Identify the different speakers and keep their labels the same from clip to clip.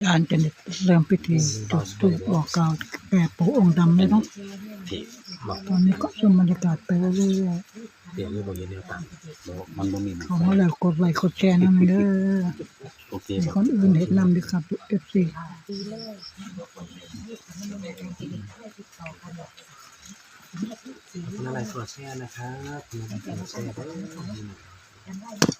Speaker 1: การจะเริ่มพิธีจุดธูปบอกกล่าวแก่ปู่องค์ดำเลยเนาะ
Speaker 2: ที่บอก
Speaker 1: ตอนนี้ก็ชมบรรยากาศไปเรื่อย
Speaker 2: เดี๋ยวนี้บอกอย่างเดียวต่างบอกมันบ่มี
Speaker 1: ๆเขามาแล้วกดไลค์กดแชร์นะมันเด้อ
Speaker 2: โอเค
Speaker 1: มี
Speaker 2: บอก
Speaker 1: คนอื่นเห็นนำด้วยครับ FC
Speaker 2: คุณอะไรสวัสดีนะครับคุณอะไรสวัสดีเด้อ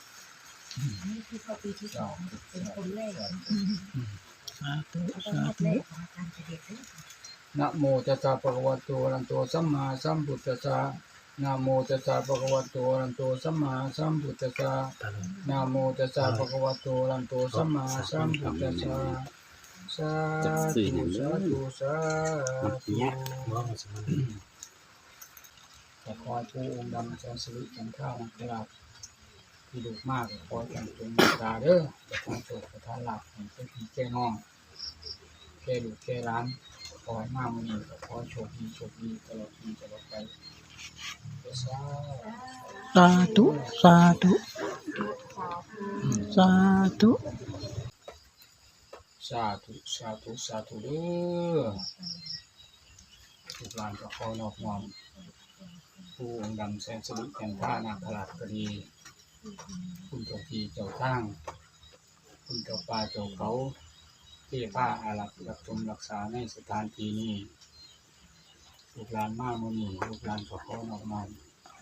Speaker 1: สาธุสาธุ
Speaker 3: นะโมตัสสะภะคะวะโตอะระหะโตสัมมาสัมพุทธัสสะนะโมตัสสะภะคะวะโตอะระหะโตสัมมาสัมพุทธัสสะนะโมตัสสะภะคะวะโตอะระหะโตสัมมาสัมพุทธัสสะสาธุสาธุสา
Speaker 2: มัน
Speaker 3: ธุ
Speaker 2: เนี้ยว่ามันสมัน
Speaker 3: ขอให้ผู้องค์ดำแสนสิริจันทรานาคราชที่ดุมากขอให้จงเมตตาเด้อประทานโชคประทานลาภให้เป็นพี่แก่น้องแก่ลูกแก่หลานขอให้มามื้อนี้ก็ขอให้โชคดีตลอดปีตลอดไปสา
Speaker 1: สาธุสาธุสาธุ
Speaker 3: สาธุสาธุสาธุเด้อทุกหลานก็ขอนอบน้อมผู้องค์ดำแสนสิริจันทรานาคราชก็ดีคุณเจ้าที่เจ้าทางคุณเจ้าป่าเจ้าเขาที่ผ้าอารักษ์รักชมรักษาในสถานที่นี้ลูกหลานมามื้อนี้ลูกหลานก็ขอนอบน้อม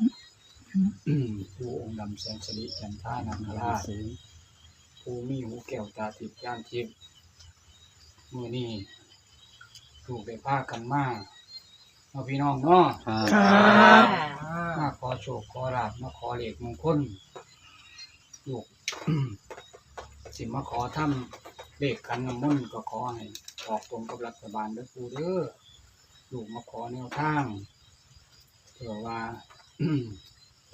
Speaker 3: ผู้องค์ดำแสนสิริจันทรานาคราชผู้มีหูแก้วตาทิพย์ญาณทิพย์มื้อนี้ลูกได้พากันมาเอาพี่น้องเนาะ
Speaker 1: ครับ
Speaker 3: มาขอโชคขอลาภมาขอเลขมงคลลูก สิมาขอทำเลขขันน้ำมนต์ก็ขอให้ออกตรงกับรัฐบาลเด้อปู่เด้อลูกมาขอแนวทางเผื่อว่า ไป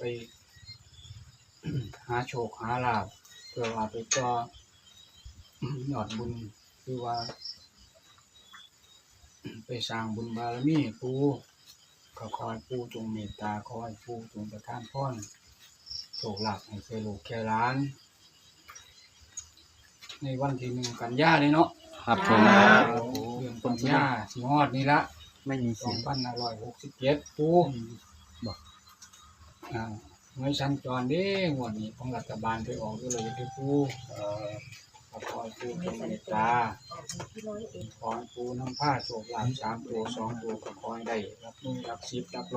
Speaker 3: หาโชคหาลาภเพื่อว่าไปต่อยอดบุญคือว่า ไปสร้างบุญบารมีปู่ก็ขอให้ปู่จงเมตตาขอให้ปู่จงประทานพรโชคลาภให้แก่ลูกแก่หลาน ในวันที่1 กันยายนเลยเนาะ
Speaker 2: ครับผม
Speaker 3: เดือนกันยาสิฮอดนี่ละ
Speaker 2: ไม่มีเสียง
Speaker 3: 2567ปู่บอกเมื่อชั้นจรเด้งวดนี้ของรัฐบาลไปออกด้วยเลยที่ปู่ขอให้ปู่จงเมตตาขอให้ปู่นำผ้าโชคลาภ3 ตัว 2 ตัวก็ขอให้ได้รับ1รับ10รับ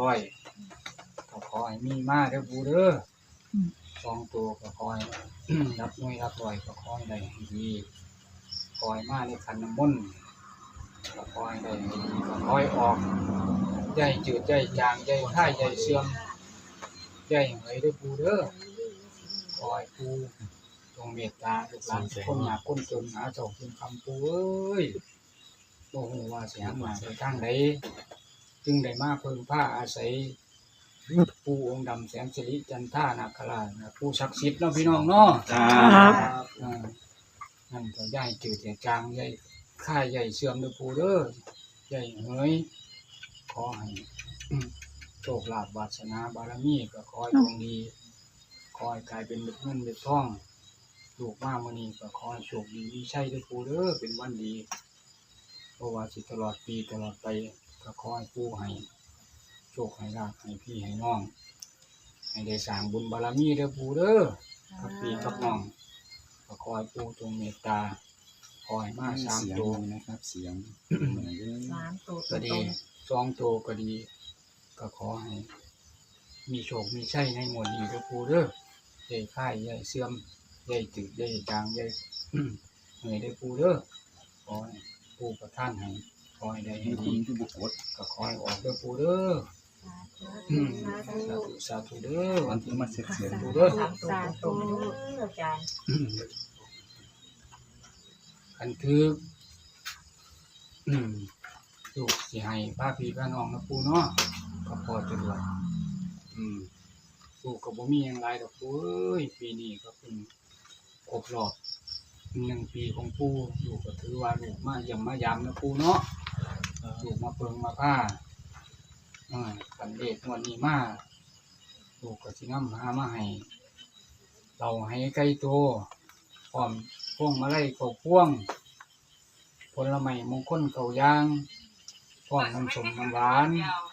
Speaker 3: 100ก็ขอให้มีมาเด้อปู่เด้อ2 ตัวก็ขอให้ รับ1รับ100ก็ขอให้ได้ให้ดีขอให้มาในขันน้ำมนต์ก็ขอให้ได้ให้ดีก็ขอให้ออกใหญ่จืดใหญ่จางใหญ่ค่ายใหญ่เสื่อมใหญ่เหยเด้อปู่เด้อขอให้ปู่จงเมตตาลูกหลานทุกคนยากคนจนหาเจ้ากินคำปู่เอ้ยบ่ฮู้ว่าสิหันมาไปทางใดจึงได้มาเพิ่งผ้าอาศัยปู่องค์ดำแสนสิริจันทรานาคราชผู้ศักดิ์สิทธิ์เนาะพี่น้องเนาะ
Speaker 1: ครับ
Speaker 3: นั่นก็ใหญ่จืดใหญ่จางใหญ่ค่ายใหญ่เสื่อมเด้อปู่เด้อใหญ่เฮ้ยขอให้ โชคลาภวาสนาบารมีก็ขอให้ดวงดีขอให้กลายเป็นเม็ดเงินเม็ดทองลูกมามื้อนี้ก็ขอให้โชคดีมีชัยเด้อปู่เด้อเป็นวันดีเพราะว่าสิตลอดปีตลอดไปก็ขอให้ปู่ให้โชคให้ลาภให้พี่ให้น้องให้ได้สร้างบุญบารมีเด้อปู่เด้อกับพี่กับน้องก็ขอให้ปู่จงเมตตาขอให้มา3 ตัว
Speaker 2: นะครับเสียง
Speaker 4: 3 ตัว
Speaker 3: ก็ดี2 ตัวก็ดี ก็ขอให้มีโชคมีชัยในงวดนี้เด้อปู่เด้อใหญ่ค่ายใหญ่เสื่อมใหญ่จืดใหญ่จางใหญ่ เหนื่อยได้อปู่เด้อขอให้ปู่ประทานให้ขอให้ได้ให้ดีก็ขอให้ออกเด้อปู่เด้อสาธุสาธุเด้อวันที่มาเสร็จเสียปู่เด้อ
Speaker 4: 3 ตัวอาจารย์
Speaker 3: อันคือลูกสิให้ป้าพี่ป้าน้องนะปู่เนาะก็พอจะด้วยปู่ก็บ่มีหยังหลายดอกปู่เอ้ยปีนี้ก็เพิ่งครบรอบ1 ปีของปู่ลูกก็ถือว่าลูกมาเยี่ยมมายามนะปู่เนาะลูกมาเปิงมาผ้าคันเลขงวดนี้มาลูกก็สินำหามาให้เราให้ไก่โตพร้อมพวงมาลัยเข้าพวงผลไม้มงคลเก่าย่างพร้อมน้ำส้มน้ำหวาน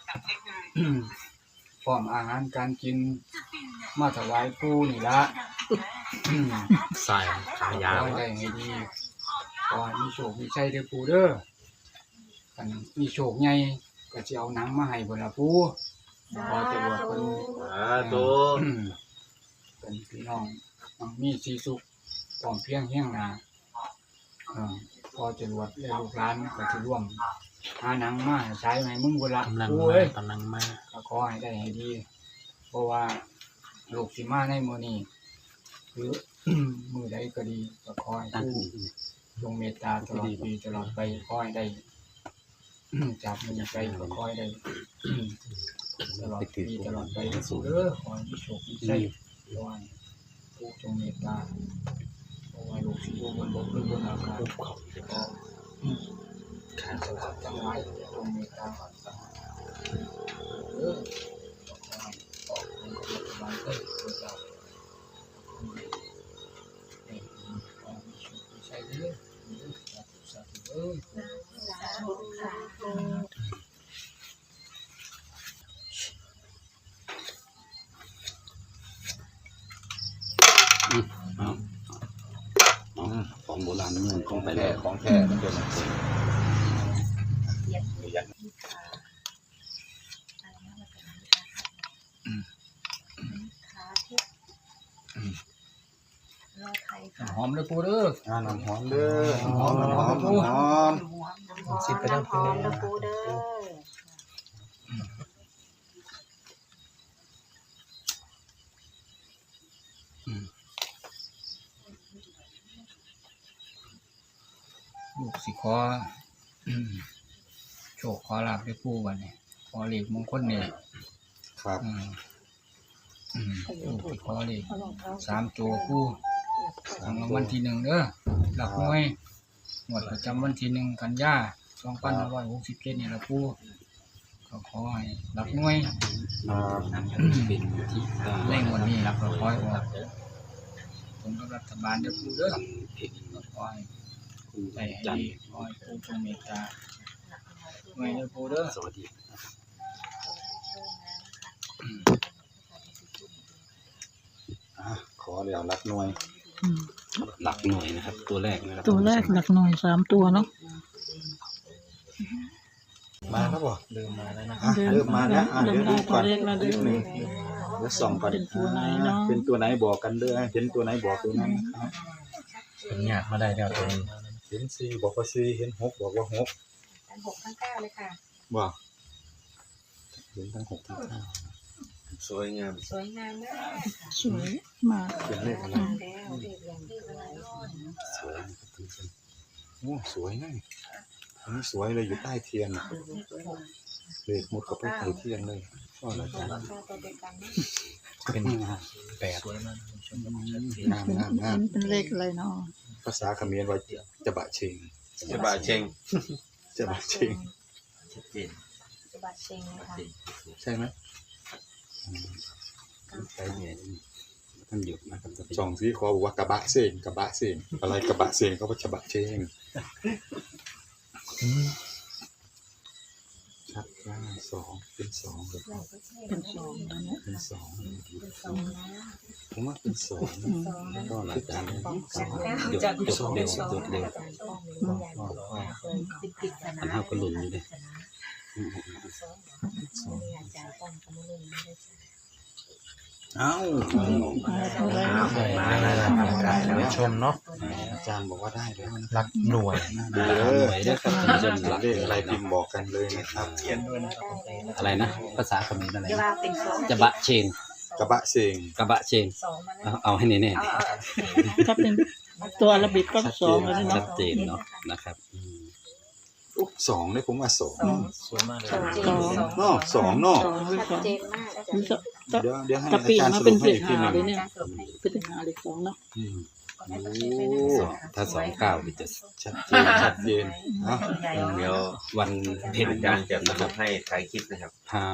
Speaker 3: พร้อมอาหารการกินมาถวายปู่นี่ละ
Speaker 2: ใส่ขายา
Speaker 3: ขอ
Speaker 2: ว
Speaker 3: ให้ได้ให้ดีขอให้มีโชคมีชัยเด้อปู่เด้อกันมีโชคใหญ่ก็สิเอาหนังมาให้เพิ่นล่ะปู่ขอจะรวดเพิ่น
Speaker 2: ตัว
Speaker 3: เป็นพี่น้องมีสีสุขพร้อมเพรียงเฮียงหน้าพอจะรวดและลูกหลานก็สิร่วมหาหนังมาใช้ให้มึงพุ่นล่ะ
Speaker 2: กำลัง
Speaker 3: ปู่
Speaker 2: มา
Speaker 3: เอ้ย
Speaker 2: กำลังมา
Speaker 3: ก็ขอให้ได้ให้ดี เพราะว่าลูกสิมาในมื้อนี้หรือ มื้อใดก็ดีก็ขอให้
Speaker 2: ตั้ง
Speaker 3: ผู้จงเมตตาตลอดปีตลอดไปขอให้ได้ จากมื้อนี้ไปก็ขอให้ได้ ตลอดปีตลอดไปสู่เด้อขอให้มีโชคมีชัยขอให้ผู้จงเมตตาขอให้ลูกสิอยู่บนบกหรือบนอากาศขอขาดสลัดทั้งหลายจงเมตตาเด้อขอให้ออกเป็นกำลังใจเพื่อเราขอให้มีโชคมีชัยเด้อสาธุเด้อ
Speaker 4: สาธุสาธุ
Speaker 2: ของโบราณมันคงไปแล้วของแท้มันเป็น
Speaker 4: ขาทิพย์รอไทยค่ะ
Speaker 3: หอมเลยปูเด้อ
Speaker 2: น้ำหอมเด้อหอมหอมหอม
Speaker 4: สิบไปทั้งคืนนะปูเด้อ
Speaker 3: ลูกสิขอโชคขอลาบด้วยปูวันนี้ขอเลขมงคลเนี่ย
Speaker 2: ครับ
Speaker 3: ลูกสิขอเลข3 ตัวปูทางวันที่1เด้อหลักหน่วยหมวดประจำวันที่1กันยา2567นี่ละปูก็ขอให้หลักหน่วย
Speaker 2: เป็นที่
Speaker 3: ในงวดนี้รับก็ขอให้ออกผลกับรัฐบาลเด้อปูเด้อก็ขอให้ได้ให้ดีขอให้ปูจงเมตตาไว้เด้อปูเด้อ
Speaker 2: สวัสดีขอเดี๋ยวรักหน่วย
Speaker 1: อืม
Speaker 2: หลักหน่วยนะครับ ตัวแรกนะครับ
Speaker 1: ตัวแรกหลักหน่วย3 ตัวเนาะ
Speaker 2: มาแล้วบ่เริ่มมาแล้วนะ
Speaker 1: เดิน
Speaker 2: เริ่มมาแล้วเดี๋ยวดูก่อน
Speaker 1: เลขละเดิ
Speaker 2: นิด
Speaker 1: น
Speaker 2: นึงเดี๋ยวส่องก่อน
Speaker 1: เป็นตัวไหนเนาะ
Speaker 2: เป็นตัวไหนบอกกันเด้อเห็นตัวไหนบอกตัวนั้นครับ
Speaker 5: เป็นหยาดมาได้แล้วตัวนี้
Speaker 2: เห็น4บอกว่า4เห็น6บอกว่า6
Speaker 4: ทั้ง6ทั้ง9เลยค่ะ
Speaker 2: บ่เห็นทั้ง6ทั้ง9สวยงาม
Speaker 4: สวยงามมาก
Speaker 1: สวยมาก
Speaker 2: เป็นเลขอะไร
Speaker 4: แล้วเรียกอย่างที่อะไร
Speaker 2: สวยนะครับทุกคนโอ้สวยนะอันนี้สวยเลยอยู่ใต้เทียนน่ะเลขมุดเข้าไปใต้เทียนเลยก็อะไรกัน
Speaker 4: ก็ตัวเดียวกันนะ
Speaker 5: เป็น
Speaker 2: แปด
Speaker 5: สวยมากชม
Speaker 2: งามงามงาม
Speaker 1: เป็นเลขอะไรเนาะ
Speaker 2: ภาษาเขมรว่าจะบะเชง
Speaker 5: จะบาเชง
Speaker 2: จะบะเชง
Speaker 5: ชัดเจน
Speaker 4: จะบัดเชงนะคะ
Speaker 2: ใช่ไหมใช่เนี่ยท่านหยุดนะครับสองสีคอบอกว่ากระบะเชงกระบะเชงอะไรกระบะเชงเขาว่าจะบะเชงชัดว่า2เป็น2เลยครับ
Speaker 1: เป็น2แล้วเนี่ย
Speaker 2: เป็น2
Speaker 4: สองนะ
Speaker 2: ผมว่าเป็น2
Speaker 1: อืม
Speaker 2: ก็หลังจากนั้น
Speaker 4: จาก
Speaker 2: หยุดเร็วหยุดเร็ว
Speaker 4: ติดสนา
Speaker 2: อันเท่าก็หลุนอยู่เลย
Speaker 4: อาจารย์ป้องกำลังไม่ได้
Speaker 2: เอ้า
Speaker 5: มาแล้วนะครับท่านผู้ชมเนาะ
Speaker 2: อาจารย์บอกว่าได้แล้วนะ
Speaker 5: รักหน่วย
Speaker 2: ดีเลยนะครับท่านผู้ชมเลขอะไรพิมพ์บอกกันเลยนะครับ
Speaker 6: อะไรนะภาษาเขมรอะไร
Speaker 4: จะว่าเป็นสอง
Speaker 6: จะบะเชง
Speaker 2: กระบะเชง
Speaker 6: กระบะเชง
Speaker 4: สองมาแล้ว
Speaker 6: เอาให้แน่
Speaker 1: ถ้าเป็นตัวอาราบิกก็2เลย
Speaker 6: ๆชั
Speaker 1: เนาะ
Speaker 6: ดเจนเนาะนะครับอืม
Speaker 2: 2เลยผมว่า2
Speaker 5: สวยมากเลย
Speaker 2: เนาะ2เนาะ
Speaker 1: 2หรือ
Speaker 4: ชัดเจนมากอาจารย์
Speaker 1: 2
Speaker 2: เดี๋ยวให้
Speaker 1: กะปิ
Speaker 2: อาจารย์
Speaker 1: มา
Speaker 2: ส
Speaker 1: เป็
Speaker 2: รุ
Speaker 1: น
Speaker 2: ปให้
Speaker 1: เล
Speaker 2: อี
Speaker 1: ข
Speaker 2: กทีหนึง
Speaker 1: 5เลยเนี่ย
Speaker 4: การสรุปให้
Speaker 1: เป็นเลข5เลข2เนาะ
Speaker 2: อืม
Speaker 6: ถ้า29จะ
Speaker 2: ชัดเจนชัดเจนเนาะ
Speaker 6: เดี๋ยววันเพ็ญ
Speaker 5: อาจารย์จะนะครับให้ถ่ายคลิปนะครับ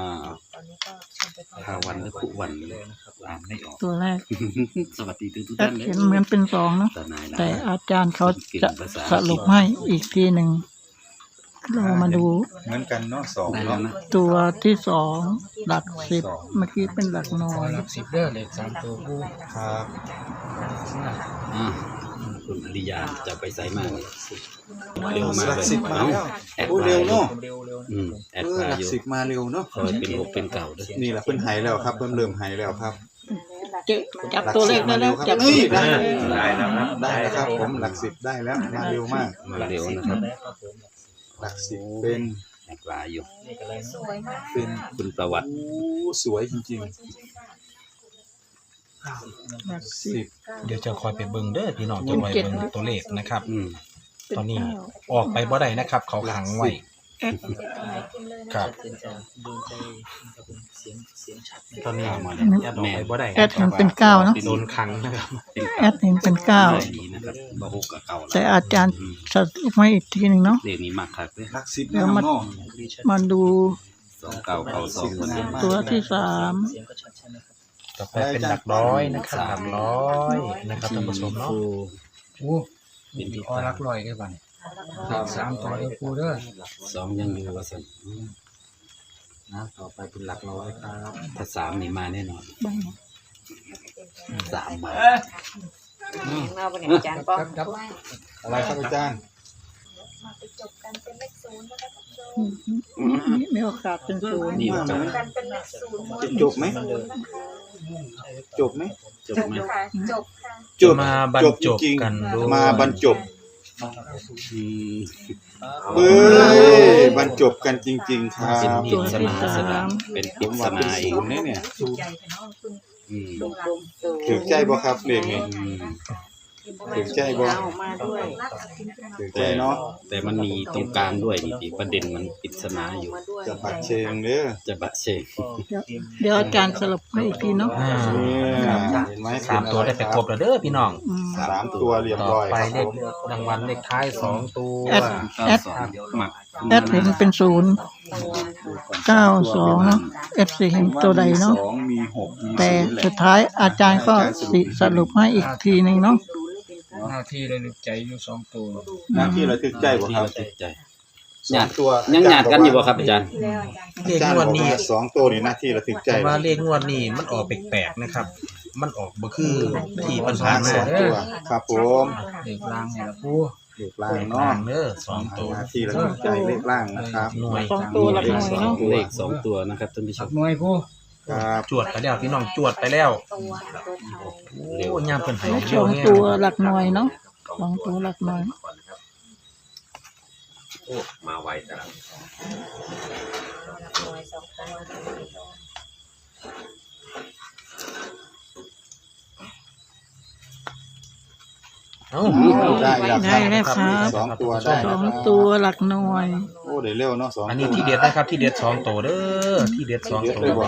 Speaker 6: ถ้าวันหรือคุวันอ่านไม่ออก
Speaker 1: ตัวแรก
Speaker 6: สวัสดีทุก
Speaker 1: แอ
Speaker 6: ท่า
Speaker 1: ด
Speaker 6: นเลย
Speaker 1: เห็นเหมือนเป็นสองเนาะ แต่อาจารย์เขาจะสรุปให้อีกทีหนึ่งเรามาดู
Speaker 2: เหมือนกันเนาะสอง
Speaker 6: ได้แล้
Speaker 2: เนาะ
Speaker 6: วนะ
Speaker 1: ตัวที่สองหลักสิบเมื่อกี้เป็นหลักน้อย
Speaker 3: หลัก10เด้อเลข3ตัวปู
Speaker 2: ครับ
Speaker 6: อ่าคุณอริยาจะไปใส่มากเร็วมาก
Speaker 2: หลัก
Speaker 6: เลย
Speaker 2: สิบมาแล้ว
Speaker 6: แอด
Speaker 2: โอ้
Speaker 6: มา
Speaker 2: เร็วเนาะ
Speaker 6: แอด
Speaker 2: ห
Speaker 6: มา
Speaker 2: ลั
Speaker 6: อก ยู่
Speaker 2: สิบมาเร็วเนาะ
Speaker 6: คอยเป็น6เป็นเก่าด้วย
Speaker 2: นี่แหละเพิ่นหายแล้วครับเพิ่นเริ่มหายแล้วครับ
Speaker 1: จับตัวเลขได้แล้วจับ
Speaker 2: เฮ้ยได้
Speaker 5: ได้แล้วครับ
Speaker 2: ได้แล้วครับผมหลักสิบได้แล้วมาเร็วมาก
Speaker 6: มาเร็วนะครับ
Speaker 2: หลักสิบเป็น
Speaker 6: แอดมาอยู่
Speaker 4: สวยมาก
Speaker 2: เป็น
Speaker 6: คุณประวัติ
Speaker 2: โอ้สวยจริง
Speaker 1: หลัก
Speaker 2: ๆ
Speaker 1: สิ
Speaker 2: สิ
Speaker 1: บบ
Speaker 7: เดี๋ยวจะคอยไปเบิ่งเด้อพี่น้องจะคอยเบิ่งตัวเลขนะครับ
Speaker 1: เป็น
Speaker 7: ตอนนี้
Speaker 1: เก้า
Speaker 7: ออกไปบ่ได้นะครับ เขาขังไว้
Speaker 1: แอด
Speaker 7: ครับตอนนี้
Speaker 6: มา
Speaker 7: แอดออกไปบ่ได้
Speaker 1: แอดเห็นเป็นเก้าเนาะ
Speaker 7: โดนขังนะครับ
Speaker 1: แอดเห็นเป็นเก้า
Speaker 6: ดีนะครับบ่ฮกกับเก่า
Speaker 1: แต่อาจารย์สรุปให้อีกทีหนึ่งเนาะ
Speaker 6: เด็กนี้มากครับเลย
Speaker 2: หลักสิบ
Speaker 1: เดี๋ยวมา
Speaker 2: เนาะ
Speaker 1: มาดู
Speaker 6: 2 เก่าเก่า2คนนี้
Speaker 1: ตัวที่สาม
Speaker 7: ต่อไปเป็นหลักร้อยนะครับหลักร้อยนะครับท่านผู้ชมเนาะ
Speaker 3: ปูเป็นที่อรักร้อยได้บ่เนี่ย3ตัวเด้อปูเด้อ
Speaker 6: 2ยังอยู่ว่าซั่น
Speaker 7: ต่อไปเป็นหลักร้อยครับ
Speaker 6: ถ้า3นี่มาแน่นอน3มา
Speaker 4: เราเป็นอาจารย์ป้อม
Speaker 3: ครับ
Speaker 2: อะไรครับอาจารย์
Speaker 4: มาไปจบกันเป็นเลขศูนย์นะคะท่านผู้ชม
Speaker 1: มีโอกาสเป็นศูนย์
Speaker 6: นี่ว่าจะ
Speaker 4: กันเป็นเลขศูนย์
Speaker 2: จะจบไหมจบไหม
Speaker 6: จบไหม
Speaker 4: ค่ะจบค่ะ
Speaker 2: จบ
Speaker 7: มาบรรจบ
Speaker 2: จริง
Speaker 7: กันด้วย
Speaker 2: มาบรรจบ
Speaker 6: อืม
Speaker 2: เฮ้ยบรรจบกันจริง ๆ ครับ
Speaker 6: เป็นปริศนาสนามเป็นป
Speaker 2: ผ
Speaker 6: ริ
Speaker 2: ม
Speaker 6: ศ
Speaker 2: ว่าเป็น
Speaker 6: นาอี
Speaker 2: ศู
Speaker 6: ก
Speaker 2: นย์เนี่ย
Speaker 6: อืม
Speaker 2: ถือใจบ่ครับเลขนี้
Speaker 6: อืม
Speaker 2: ถือใจบ่
Speaker 4: เอามาด้วย
Speaker 2: ถือใจเนาะ
Speaker 6: แต่มันมีตรงกลางด้วยนี่ที่ประเด็นมันปริศนาอยู่
Speaker 4: มาด้วย
Speaker 2: จะบัดเชงเด้อ
Speaker 6: จะบะเชง
Speaker 1: เดี๋ยวอาจารย์สรุปให้อีกทีเนาะ
Speaker 7: อ่า
Speaker 2: เนี่ยเห็นไหม
Speaker 7: 3 ตัวได้ไปครบแล้วเด้อพี่น้อง
Speaker 1: อืม
Speaker 2: สามตัวเรียบ
Speaker 7: ต่อ
Speaker 2: ร้อย
Speaker 7: ไป
Speaker 2: ครับ
Speaker 7: เลขรางวัลเลขท้าย2ตัว
Speaker 1: แอด
Speaker 6: 92หมัก
Speaker 1: แอดเห็นเป็นศูนย์เก้าสองเนาะแอดสิเห็นตัวใดเนาะ
Speaker 2: สองมีหกมี
Speaker 1: แต่
Speaker 2: ศูนย์แหละ
Speaker 1: สุดท้ายอาจารย์ก็สรุปให้อีกทีหนึ่งเนาะ
Speaker 3: หน้าที่เลยลึกใจอยู่2ตัว
Speaker 2: หน้าที่ระทึกใจบ่
Speaker 6: ที่
Speaker 2: ครับ
Speaker 6: เราติดใจ
Speaker 2: สองตัว
Speaker 6: ยังหยาดกันอยู่บ่ครับอาจารย์
Speaker 7: เลข
Speaker 2: อาจารย์
Speaker 7: ง
Speaker 2: บ
Speaker 7: ว
Speaker 2: อ
Speaker 7: ด
Speaker 2: ก
Speaker 7: นี้
Speaker 2: ว่าสองตัวนี่หน้าที่ระทึกใจ
Speaker 7: แต่ว่าเลขงวดนี้มันออกแปลกๆนะครับ มันออกบ่คือที่ปัญหา
Speaker 2: สองตัวครับผม
Speaker 3: เลขล่างนี่ล่ะปู
Speaker 2: เลขล่าง
Speaker 7: ก
Speaker 2: เนาะ
Speaker 7: ลางเด้อ2ตัว
Speaker 2: หน้าที่ระทึกใจเลขล่างนะครับ
Speaker 7: หน่วย
Speaker 1: สองตัวหลักหน่วยเนาะ
Speaker 6: เลข2ตัวนะครับท่านผู้ช
Speaker 3: สั
Speaker 6: ม
Speaker 3: กหน่วยปู
Speaker 2: ครับ
Speaker 7: จวดไปแล้วพี่น้องจวดไปแล้ว
Speaker 4: ตัวไทย
Speaker 7: โอ้ยามเพิ่นให้
Speaker 1: สองตัวหลักหน่วยเนาะสองตัวหลักหน่วย
Speaker 5: มาไวแต่ละ
Speaker 4: หน่วยสองตัว
Speaker 7: เอ้า
Speaker 2: ได้แล้วค
Speaker 1: ได้
Speaker 2: รับ
Speaker 1: แล้วครับ
Speaker 2: สองตัวได้
Speaker 1: ส
Speaker 2: แล้
Speaker 1: อ
Speaker 2: ว
Speaker 1: ง
Speaker 2: ครับ
Speaker 1: ตัวหลักหน่วย
Speaker 2: โอ้ได้เร็วเนาะสอง
Speaker 7: อัน
Speaker 2: ตั
Speaker 7: นี้
Speaker 2: ว
Speaker 7: ที่เด็ดนะครับที่เด็ด2ตัวเด้อที่เด็ด2
Speaker 2: เยอะ
Speaker 7: ตั
Speaker 2: เลยว บ่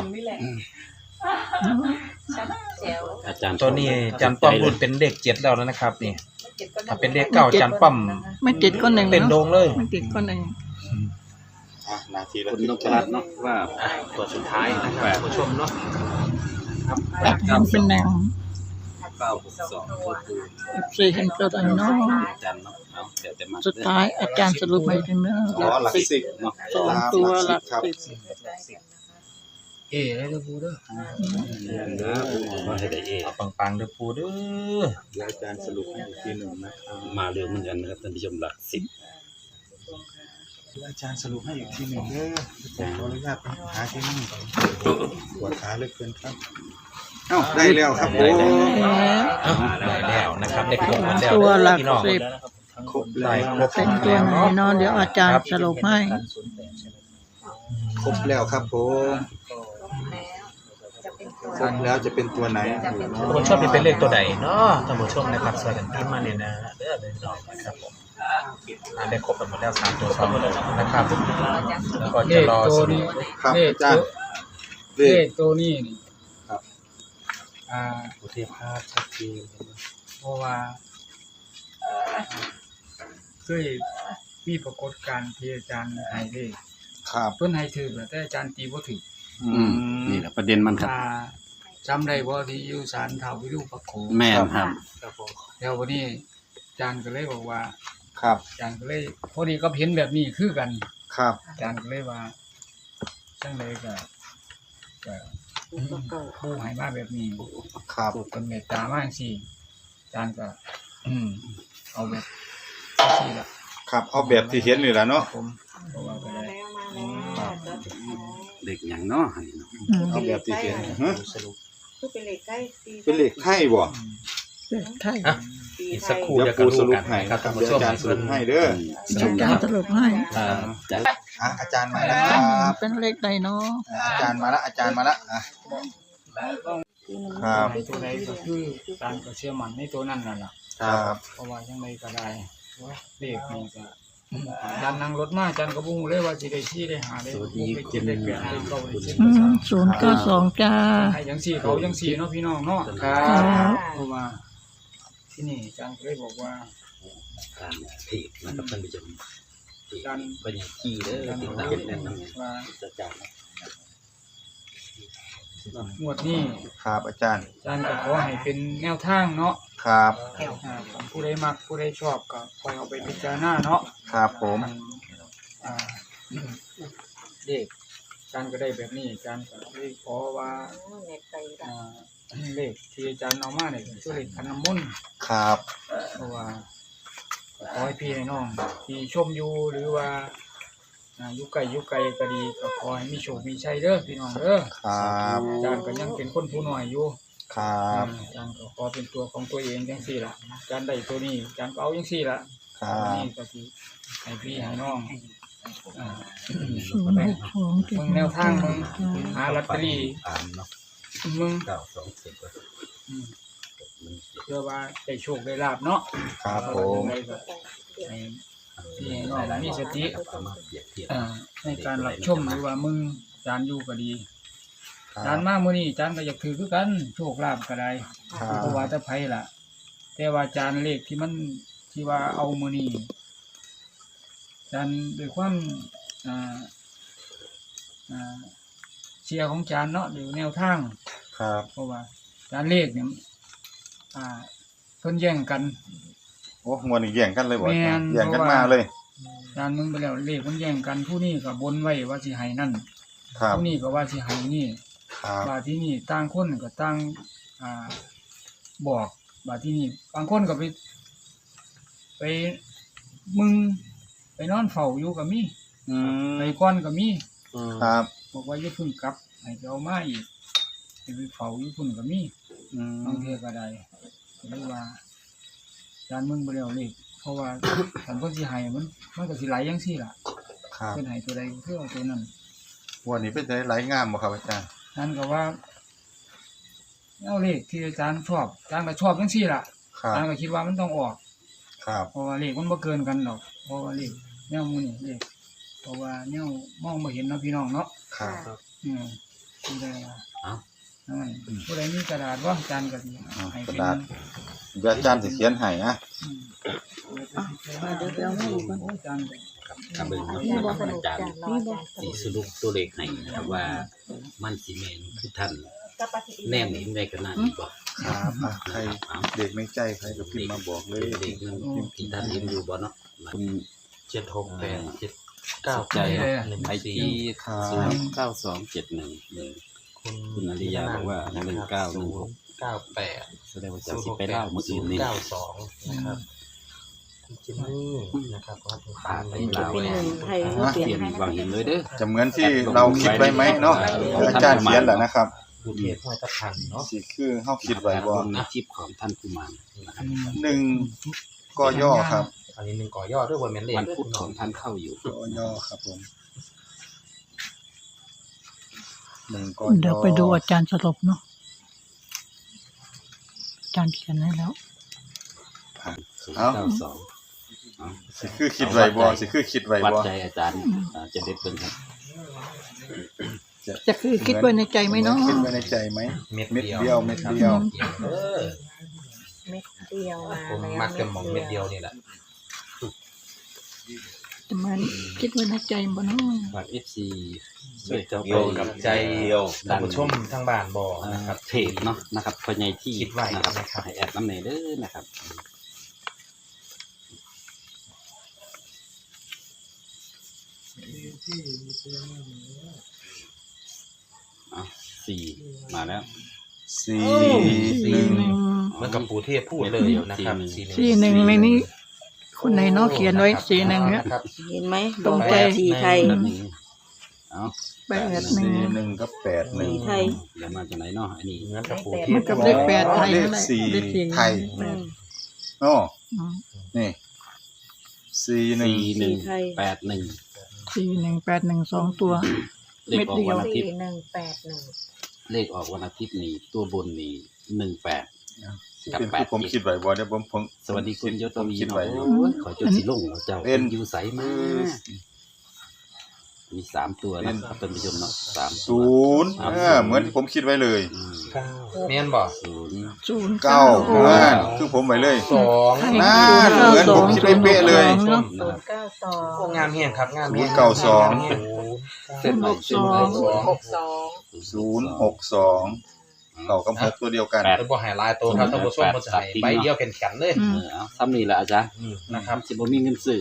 Speaker 4: แจ๋ว
Speaker 6: อาจารย์
Speaker 7: ตัวนี้จันป้อมรุ่นเป็นเลข7แล้วนะครับนี่ถ้าเป็นเลข9จันป้อม
Speaker 1: ไม่ติดก็หนึ่ง
Speaker 7: เป็นโด
Speaker 1: เนาะ
Speaker 7: งเลย
Speaker 1: ไม่ติดก็หนึ่ง
Speaker 2: อ่ะหน้าที่ระ
Speaker 6: คุณ
Speaker 2: ทึ
Speaker 6: น
Speaker 2: ก
Speaker 6: พ
Speaker 2: ใจ
Speaker 6: รัตน์เนาะว่า
Speaker 7: ตัวสุดท้ายนะครับผู้ชมเนาะ
Speaker 1: แอดเห็นเป็นแนว
Speaker 6: 962ตัวปู
Speaker 1: แอดสิเห็นตัวใดเนาะ
Speaker 6: อาจารย์เนาะเอาเดี๋ยวแต่มา
Speaker 1: สุดท้ายอาจารย์สรุปให้ถึงเนาะ
Speaker 2: อ๋อหลักสิบ
Speaker 6: เนาะ
Speaker 1: สองตัวหลัก
Speaker 2: ครับ
Speaker 1: สิบ
Speaker 3: ได้เด้อปูเด้อ
Speaker 6: เด้อปูให้ได้เอ
Speaker 7: เอาปังๆเด้อปูเด้อ
Speaker 2: เดี๋ยวอาจารย์สรุปให้อีกทีหนึ่งนะครับ
Speaker 6: มาเร็วเหมือนกันนะครับท่านผู้ชมหลัก10
Speaker 2: เดี๋ยวอาจารย์สรุปให้อีกทีหนึ่งเด้อผมขออนุญาตไปหาที่นี่ปวดขาเหลือเกินครับเอ้าได้แล้วครับผม
Speaker 7: ได้แล้วนะครับได้ครบหมดแล้ว
Speaker 1: ตัวหลัก
Speaker 7: พี่น้อง
Speaker 1: สิบ
Speaker 2: ครบแล้
Speaker 7: ได้
Speaker 2: ว
Speaker 7: ครบ
Speaker 1: เป็นตัวไหนเนาะเดี๋ยวอาจารย์สรุปให้
Speaker 2: ครบแล้วครับผมครบแล้วจะเป็นตัวไหน
Speaker 7: ท่านผู้ชมนี่เป็นเลขตัวใดเนาะท่านผู้ชมนะครับช่วยกันพิมพ์มาเนี่ยนะเด้อพี่น้องนะครับผมได้ครบกันหมดแล้ว3ตัว2ตัวนะครับแล้วก็
Speaker 3: เล
Speaker 7: จะ
Speaker 3: ข
Speaker 7: รอ
Speaker 3: ตั
Speaker 7: ส
Speaker 3: ว
Speaker 7: รุ
Speaker 3: นี้
Speaker 7: ป
Speaker 2: ครับ
Speaker 3: เลข
Speaker 2: อาจารย์เล
Speaker 3: เล
Speaker 2: ข
Speaker 3: ขตัวนี้นี่
Speaker 2: ครับ
Speaker 3: อ่า
Speaker 7: โอเคภาพชัดเจน
Speaker 3: ลเพราะว่าเคยมีปรากฏการณ์ที่อาจารย์ให้เลข
Speaker 2: ครับ
Speaker 3: เพิ่นให้ถือแต่อาจารย์ตีบ่ถือ
Speaker 6: นี่แหละประเด็นมันครับ
Speaker 3: ถ้าจำได้บ่ที่อยู่ศาลท้าววิรูปักโข
Speaker 6: แม่นครับ
Speaker 3: แล้ววันนี้อาจารย์ก็เลยบอกว่า
Speaker 2: ครับ
Speaker 3: อาจารย์ก็เลยพอดีก็เห็นแบบนี้คือกัน
Speaker 2: ครับ
Speaker 3: อาจารย์ก็เลยว่าจังไดก็ผู้ให้มาแบบนี้
Speaker 2: ครับ
Speaker 3: เป็นเมตตามากสิอาจารย์ก็เอาแบบนี้ละ
Speaker 2: ครับเอาแบบที่เห็นนี่แหละเนาะ
Speaker 3: ผมเพราะว่าก็ได้
Speaker 6: เด็กอย่างเนาะอันนี้เนาะ
Speaker 2: เอาแบบที่เห็นฮะ
Speaker 4: คือเป็นเหล็กใกล้ตี
Speaker 2: เป็นเลขไทยบ่
Speaker 1: ไทย
Speaker 7: อีกสักครู่
Speaker 2: เดี๋ยว
Speaker 7: จะ
Speaker 2: ปู
Speaker 7: ก
Speaker 2: ส
Speaker 7: รู้
Speaker 2: รุ
Speaker 7: กั
Speaker 2: ป
Speaker 7: น
Speaker 2: ให้
Speaker 7: นะค
Speaker 2: ค
Speaker 7: รั
Speaker 2: รั
Speaker 7: บบ ท่าน
Speaker 2: เดี๋ยว
Speaker 7: ผู้ช
Speaker 2: อาม จารย์สรุปให้เด้อ
Speaker 1: อาจารย์สรุปให้
Speaker 6: จะ
Speaker 2: อาจารย์มาแล้วครับ
Speaker 1: เป็นเลขใดเนาะ
Speaker 2: อาจารย์มาแล้วอาจารย์มาแล้วครับ
Speaker 3: ในตัวใดก็คือการก็เชื่อมั่นในตัวนั้นนั่นล่ะ
Speaker 2: ครับ
Speaker 3: เพราะว่าจังไดก็ได้เลขนี่ก็อาจารย์นั่งรถมาอาจารย์ก็บ่ฮู้เลยว่าสิได้ชี้ได้หาได้6ได้7ได้8ได้9ได้10
Speaker 1: 092จ้า
Speaker 3: ให้จังซี่เขาจังซี่เนาะพี่น้องเนาะ
Speaker 2: ครับ
Speaker 3: เพราะว่าที่นี่อาจารย์ก็เลยบอกว่า
Speaker 6: การถีบนะครับท่านผู้ชมถีบ
Speaker 3: การ
Speaker 6: ก็อย่างที่เด้อ
Speaker 3: การ
Speaker 6: ติด
Speaker 3: บอก
Speaker 6: ตาม
Speaker 3: ว่า
Speaker 6: แน่นอน
Speaker 3: ว่า
Speaker 6: จะจัด
Speaker 3: งวดนี้
Speaker 2: ครับอาจารย์
Speaker 3: อาจารย์ก็ขอให้เป็นแนวทางเนาะ
Speaker 2: ครับ
Speaker 3: ผู้ใดมักผู้ใดชอบก็คอยเอาไปพิจารณาเนาะ
Speaker 2: ครับผม
Speaker 3: อ่าเด็กอาจารย์ก็ได้แบบนี้อาจารย์ก็เลยขอว่า
Speaker 4: เน็ตไป
Speaker 3: เลขที่อาจารย์เอามาเนี่ยคือเลขขันน้ำมนต์
Speaker 2: ครับ
Speaker 3: เพราะว่าขอให้พี่ให้น้องที่ชมอยู่หรือว่าอยู่ไกลก็ดีก็ขอให้มีโชคมีชัยเด้อพี่น้องเด้อ
Speaker 2: ครับ
Speaker 3: อาจารย์ก็ยังเป็นคนผู้น้อยอยู่
Speaker 2: ครับ
Speaker 3: อาจารย์ก็ขอเป็นตัวของตัวเองจังซี่ล่ะอาจารย์ได้ตัวนี้อาจารย์ก็เอาจังซี่ล่ะ
Speaker 2: ครั
Speaker 3: ตัว
Speaker 2: บ
Speaker 3: นี้ก็สิให้พี่ให้น้องอ่า
Speaker 1: 062
Speaker 3: มึงแนวทางมึงหาลอตเตอรี่
Speaker 6: ตามเนาะ
Speaker 3: มึง
Speaker 6: 927ก็
Speaker 3: เพื่อว่าได้โชคได้ลาบเนาะ
Speaker 2: ครับผม
Speaker 3: ให้พี่ให้น้องมีสติ
Speaker 6: เอามาเปรียบเทียบ
Speaker 3: ในการรับชมหรือว่ามึงอาจารย์อยู่ก็ดี
Speaker 2: ค
Speaker 3: อาจารย์มามื้อนี้อาจารย์ก็อยากถือคือกันโชคลาภก็ได้
Speaker 2: รับ
Speaker 3: เพราะว่าแต่ไผล่ะ แต่ว่าอาจารย์เลขที่มันที่ว่าเอามื้อนี้อาจารย์ด้วยความอ่าเชียร์ของอาจารย์เนาะหรือแนวทาง
Speaker 2: ครับ
Speaker 3: เพราะว่าอาจารย์เลขเนี่ยเพิ่นแย่งกัน
Speaker 2: โอ้งวดนี้แย่งกันเลยบ่
Speaker 3: แม่น
Speaker 2: แย่งกันมาเลย
Speaker 3: อาจารย์มึงไปแล้วเลขมันแย่งกันผู้นี้ก็บนไว้ว่าสิให้นั่น
Speaker 2: ครับ
Speaker 3: ผู้นี้ก็ว่าสิให้นี่
Speaker 2: ครับ
Speaker 3: บาดที่นี่ต่างคนก็ต่างบอกบาดที่นี่บางคนก็ไปมึงไปนอนเฝ้าอยู่ก็มี
Speaker 2: อืม
Speaker 3: ไปก่อนก็มี
Speaker 2: ครับ
Speaker 3: บอกว่าอย่าเพึ่งกลับให้ไปเอามาอีกให้ไปเฝ้าอยู่พุ่นก็มี
Speaker 2: อืม
Speaker 3: บางเทื่อก็ได้ก็เลยว่าอาจารย์มึงบ่แล้วเลขเพราะว่า คันเพิ่นสิให้มันก็สิไหลจังซี่ล่ะ
Speaker 2: ครับ
Speaker 3: เพิ่นให้ตัวใดก็คือเอาตัวนั้น
Speaker 2: งวดนี้เป็นได้หลายงามบ่ครับอาจารย์
Speaker 3: นั่นก็ว่าเอาเลขที่อาจารย์ชอบอาจารย์ก็ชอบจังซี่ล่ะ
Speaker 2: ครั
Speaker 3: อา
Speaker 2: บ
Speaker 3: จารย์ก็คิดว่ามันต้องออก
Speaker 2: ครับ
Speaker 3: เพราะว่าเลขมันบ่เกินกันหรอกเพราะว่าเลขแนวหมู่นี่เลขเพราะว่าแนวมองบ่เห็นเนาะพี่น้องเนาะ
Speaker 2: ครับ
Speaker 3: ผู้ใด
Speaker 6: เอ้า
Speaker 3: นั่นผู้ใดมีกระดาษว่าอาจารย์ก็สิให้
Speaker 2: กระ
Speaker 3: เป็น
Speaker 2: ดาษเดี๋ยวอาจารย์สิเขียนให้นะ
Speaker 3: อืม
Speaker 1: เดี๋ยวไปเอามาอีกก่อน
Speaker 3: อาจารย์
Speaker 6: กับเบิ่ง
Speaker 4: นี่
Speaker 6: นะ
Speaker 4: บ
Speaker 6: ค
Speaker 4: อ
Speaker 6: รับ
Speaker 4: สนุก
Speaker 6: อาจารย์
Speaker 4: จังรออาจารย์
Speaker 6: สีสรุปตัวเลขให้นะครับว่ามันสิแม่นคือท่าน
Speaker 4: กับปฏิทิน
Speaker 6: แนมเห็นในขณะนี้บ่
Speaker 2: ครับอ่ะใครเด็กในใจใครก็พิมพ์มาบอกเลย
Speaker 6: เด็กนั้นที่ท่านเห็นอยู่บ่เนาะ
Speaker 2: คุณ
Speaker 6: ใจไอที
Speaker 2: ครับ
Speaker 6: 09271คุณอริยาบอกว่า1916
Speaker 7: 98
Speaker 6: แสดงว่าจะสิไปเล่ามื้ออื่นนี่
Speaker 7: 92นะครับคุณจิมมี่นะครับก็ถูก
Speaker 6: ผ่านไป
Speaker 7: เป็น
Speaker 6: ลาว
Speaker 4: เป็น
Speaker 6: แล้
Speaker 4: ห
Speaker 6: ว
Speaker 4: นึ่งไทย
Speaker 6: เปลี่ยนวางเห็นเลยเด้อ
Speaker 2: จะเหมือนที่เราคิดไว้ไหมเนาะอาจารย์เขียนแหละนะครับ
Speaker 7: ดูเทพห้วยตะพันเนาะ
Speaker 2: สิคือเฮาคิดไว้บ่
Speaker 6: ในคลิปของท่านกุมารนะครับ
Speaker 2: 1กย่อครับ
Speaker 7: อันนี้หนึ่งก่อย่อด้วยวันแมนเล
Speaker 6: วันพุธของท่านเข้าอยู่
Speaker 2: กย่อครับผม1กย่อ
Speaker 1: เดี๋ยวไปดูอาจารย์สรุปเนาะอาจารย์เขียนให้แล้ว
Speaker 6: 092
Speaker 2: สิคือคิดไว้บ่สิคือคิดไว้
Speaker 6: วัด
Speaker 2: บ่
Speaker 6: ใจอาจารย์จะเด็ดเพิ่นครับ
Speaker 1: จะคือคิดไว้ในใจไหมเนาะ
Speaker 2: คิดไว้ในใจไหม
Speaker 7: เม็ด
Speaker 2: เม็ด
Speaker 7: เดียว
Speaker 2: เดียวเม็ดเดียว
Speaker 7: เออ
Speaker 4: เม็ดเ
Speaker 8: เดียวมา
Speaker 7: ผม
Speaker 8: แล้ว
Speaker 7: มักจะมองเม็ดเดียวนี่แหละ
Speaker 1: จะมาคิดไว้ในใจบ่เนาะ
Speaker 6: ฝาก FC ช่วยเจ้า
Speaker 5: โย
Speaker 6: ไป
Speaker 5: งกับ
Speaker 7: ใจ
Speaker 5: เดียว
Speaker 7: ท่านผู้ชมทางบ้านบอกนะครับ
Speaker 6: เพจเนาะนะครับพอใหญ่ที่
Speaker 7: คิดไว้
Speaker 6: นะครับ
Speaker 7: นะครับ
Speaker 6: ให้แอดน้ำเนยเด้อนะครับสี่มาแล้ว
Speaker 2: สี่
Speaker 1: สี่
Speaker 2: หนึ่ง
Speaker 1: หนึ่ง
Speaker 7: เหมือนกับปู่เทพพูดเลยนะครับ
Speaker 1: สี่หนึ่งในนี้คนไหนเนาะเขียนไว้สี่หนึ่งเนี่ย
Speaker 7: ครับ
Speaker 8: เห็นไหม
Speaker 1: ตรงใจ
Speaker 8: สีไทย
Speaker 6: แบบนี้เอา
Speaker 1: แปดหนึ่ง
Speaker 2: สี่หนึ่งกับแปดหนึ่ง
Speaker 8: สีไทย
Speaker 6: เดี๋ยวมาจากไหนเนาะอันนี้
Speaker 7: เหมือนกับปู่เท
Speaker 1: มั
Speaker 7: พ
Speaker 1: นกับเลขแปดไทย
Speaker 2: เลข
Speaker 1: นั่นแหละ
Speaker 2: สี่
Speaker 1: เลขสี่
Speaker 2: ไทย
Speaker 8: อืม
Speaker 2: โอ้
Speaker 1: อืม
Speaker 2: นี่สี่หนึ่ง
Speaker 6: สี่หนึ่ง
Speaker 8: ไทย
Speaker 6: แปดหนึ่ง
Speaker 1: สี่หนึ่งแปดหนึ่งสองตัว
Speaker 6: เลขออกวันอาทิตย์
Speaker 8: 4181
Speaker 6: เลขออกวันอาทิตย์นี่ตัวบนนี่18
Speaker 2: เป็นที่ผมคิดไว้บ่ได้ผม
Speaker 6: สวัสดีคุณยศวี
Speaker 2: คิด
Speaker 6: เนาะ
Speaker 2: ไว้อยู่
Speaker 6: โอ้ยขอจดสิลงเนาะเจ้า
Speaker 2: เป็น
Speaker 6: อยู่ใสมากมี3ตัวนะครับท่านผู้ชมเนาะ3
Speaker 2: ศูนย์เหมือนที่ผมคิดไว้เลย
Speaker 7: เมียนบอก
Speaker 6: ศูนย์
Speaker 1: ศูนย์
Speaker 2: เก้า
Speaker 1: โอ้
Speaker 2: นั่นคือผมไว้เลย
Speaker 7: สอง
Speaker 1: ให้
Speaker 2: น่าเหมือนผมคิดไว้เป๊ะเลย
Speaker 1: เนาะ
Speaker 7: โอ้งามเฮียนครับงามเฮียน
Speaker 2: เก้าสอง
Speaker 6: เส้นใหม่เส้นใหม่
Speaker 2: ศูนย์หกสองเก้ากับหกตัวเดียวกัน
Speaker 7: เป็นบ่ไฮไลท์ตัวครับท่านผู้ชมมันจะให้ใบเดียวแข็งๆเลย
Speaker 1: อืม
Speaker 6: เอาซ้ำนี่แหละอาจารย์
Speaker 7: นี่นะครับ
Speaker 6: สิบ่มีเงินซื้อ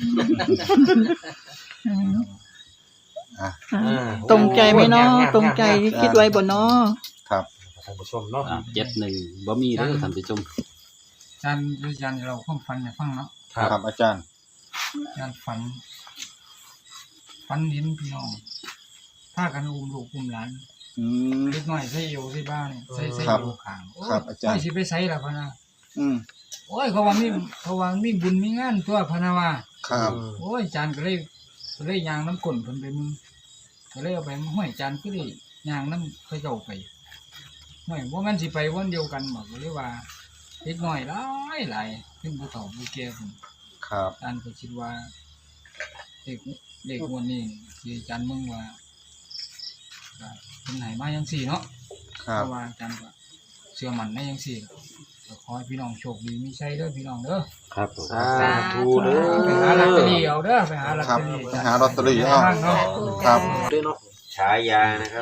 Speaker 1: อืม
Speaker 2: อ่ะ
Speaker 1: อ่าตรงใจไหมเนาะตรงใจที่คิดไว้บ่เนาะ
Speaker 2: ครับ
Speaker 7: ท่านผู้ชมเนาะ
Speaker 6: 71บ่มีเด้อท่านผู้ชม
Speaker 3: อาจารย์เราความฝันให้ฟังเนาะ
Speaker 2: ครับอาจารย์
Speaker 3: อาจารย์ฝันเห็นพี่น้องพากันอุ้มลูกอุ้มหลาน
Speaker 2: อืม
Speaker 3: เล็กน้อยใส่อยู่ที่บ้านใส่
Speaker 2: ครับ
Speaker 3: อยู่ข้างโอ้ย
Speaker 2: ครับอาจารย์
Speaker 3: ไม่สิไปใส่ล่ะพะนะ
Speaker 2: อืม
Speaker 3: โอ้ยเขาว่ามีบุญมีงานตัวพะนะว่า
Speaker 2: ครับ
Speaker 3: โอ้ยอาจารย์ก็เลยยางน้ำก้นเพิ่นไปมึงก็เลยเอาไปห้อยอาจารย์ก็เลยยางน้ำเขาเจ้าไปห้อยว่ามันสิไปวันเดียวกันบอกเลยว่าเล็กน้อยหลายขึ้นผู้เฒ่าผู้แก่พุ่น
Speaker 2: ครับ
Speaker 3: อาจารย์ก็คิดว่าเด็กวันนี้ที่อาจารย์มึงว่าเป็นไหนมายังสี่เนาะ
Speaker 2: ครั
Speaker 3: เพ
Speaker 2: บ
Speaker 3: ราะว่าอาจารย์ก็เชื่อมั่นในยังสี่ก็ขอให้พี่น้องโชคดีมีชัยเด้อพี่น้องเด้อ
Speaker 6: ครับผม
Speaker 7: สาธุเด้อ
Speaker 3: ไปหาลอตเตอรี่เอาเด้อไปหาลอต
Speaker 2: ครั
Speaker 3: เต
Speaker 2: บ
Speaker 3: อรี่
Speaker 2: ไปหาลอตเตอรี่เอา
Speaker 3: เนาะ
Speaker 2: ครับ
Speaker 5: ฉายานะครับ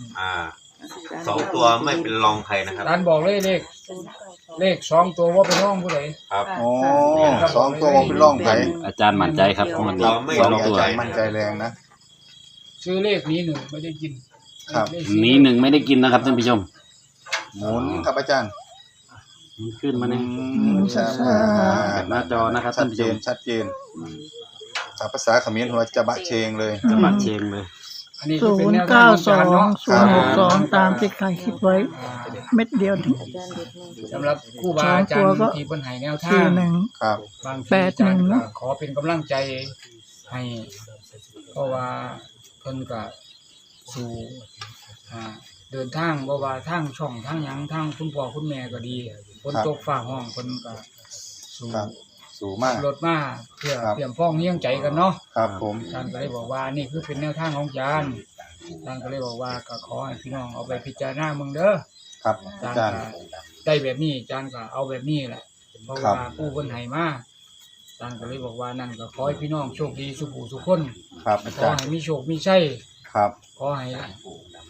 Speaker 5: 2 ตัวไม่เป็นรองใครนะครับ
Speaker 3: อาจารย์บอกเลยเลข2 ตัวว่าเป็นร่องผู้ใด
Speaker 5: ครับ
Speaker 2: โอ้สองตัวเป็นร่องไผ่
Speaker 6: อาจารย์มั่นใจครับวันนี้
Speaker 5: ไม่
Speaker 2: สอง
Speaker 5: ลง
Speaker 2: ตัว
Speaker 5: ใจ
Speaker 2: มั่นใจแรงนะ
Speaker 3: ซื้อเลขนี้หนึ่งไม่ได้กิน
Speaker 2: ครับ
Speaker 3: เลข
Speaker 6: นี้หนึ่งไม่ได้กินนะครับท่านผู้ชม
Speaker 2: หมุนครับอาจารย์
Speaker 6: มันขึ้นมาเนี่ย
Speaker 2: ใช่
Speaker 6: หน้าจอนะครับ
Speaker 2: ชั
Speaker 6: ท่า
Speaker 2: ด
Speaker 6: นผู้
Speaker 2: เจ
Speaker 6: ช
Speaker 2: น
Speaker 6: ม
Speaker 2: ชัดเจนภาษาเขมรหัวจะบะเชงเลย
Speaker 6: จะบัดเชงเลย
Speaker 3: อันนี้
Speaker 1: ศู
Speaker 3: เป็น
Speaker 1: น
Speaker 3: แน
Speaker 1: ย์
Speaker 3: วทา
Speaker 1: เก้าง
Speaker 3: ของ
Speaker 1: สอ
Speaker 3: อาจารย์
Speaker 1: ง
Speaker 3: เนาะ
Speaker 1: ศูนย์หกสองตามที่ใครคิดไว้ เม็ดเดียวนี่
Speaker 3: สำหรับครูบาอาจารย์ที่เพิ่นให้แนวทา
Speaker 1: สี่
Speaker 3: ง
Speaker 1: หนึ่ง
Speaker 2: ครับ
Speaker 3: บางที
Speaker 1: แปดหนึ่ง
Speaker 3: อาจารย์
Speaker 1: เนอะ
Speaker 3: ก็ขอเป็นกำลังใจให้เพราะว่าเพิ่นก็สู่เดินทางบ่ว่าทางช่องทางหยังทางคุณพ่อคุณแม่ก็ดีฝนตกฟ้าห้องเพิ่นก็สู่
Speaker 2: ครับสูงมาก
Speaker 3: รถมาเพื่อ
Speaker 2: ครับ
Speaker 3: เตรียมฟ้องเลี้ยงใจกันเนาะ
Speaker 2: ครับผม
Speaker 3: อาจารย์ก็เลยบอกว่านี่คือเป็นแนวทางของอาจารย์อาจารย์ก็เลยบอกว่าก็ขอให้พี่น้องเอาไปพิจารณาเมืองเด้อ
Speaker 2: ครับ
Speaker 3: อา
Speaker 2: อา
Speaker 3: จาร
Speaker 2: จาร
Speaker 3: ย์
Speaker 2: ย์
Speaker 3: ก็ได้แบบนี้อาจารย์ก็เอาแบบนี้แหละเพราะ
Speaker 2: ครับ
Speaker 3: ว่าผู้คนให้มาอาจารย์ก็เลยบอกว่านั่นก็ขอให้พี่น้องโชคดีสุขสุขคน
Speaker 2: ครับอา
Speaker 3: ขอ
Speaker 2: จารย์
Speaker 3: ให้มีโชคมีชัย
Speaker 2: ครับ
Speaker 3: ขอให้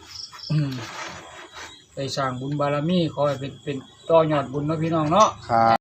Speaker 3: ได้สร้างบุญบารมีขอให้เป็นต่อยอดบุญเนาะพี่น้องเนาะ
Speaker 2: ครับ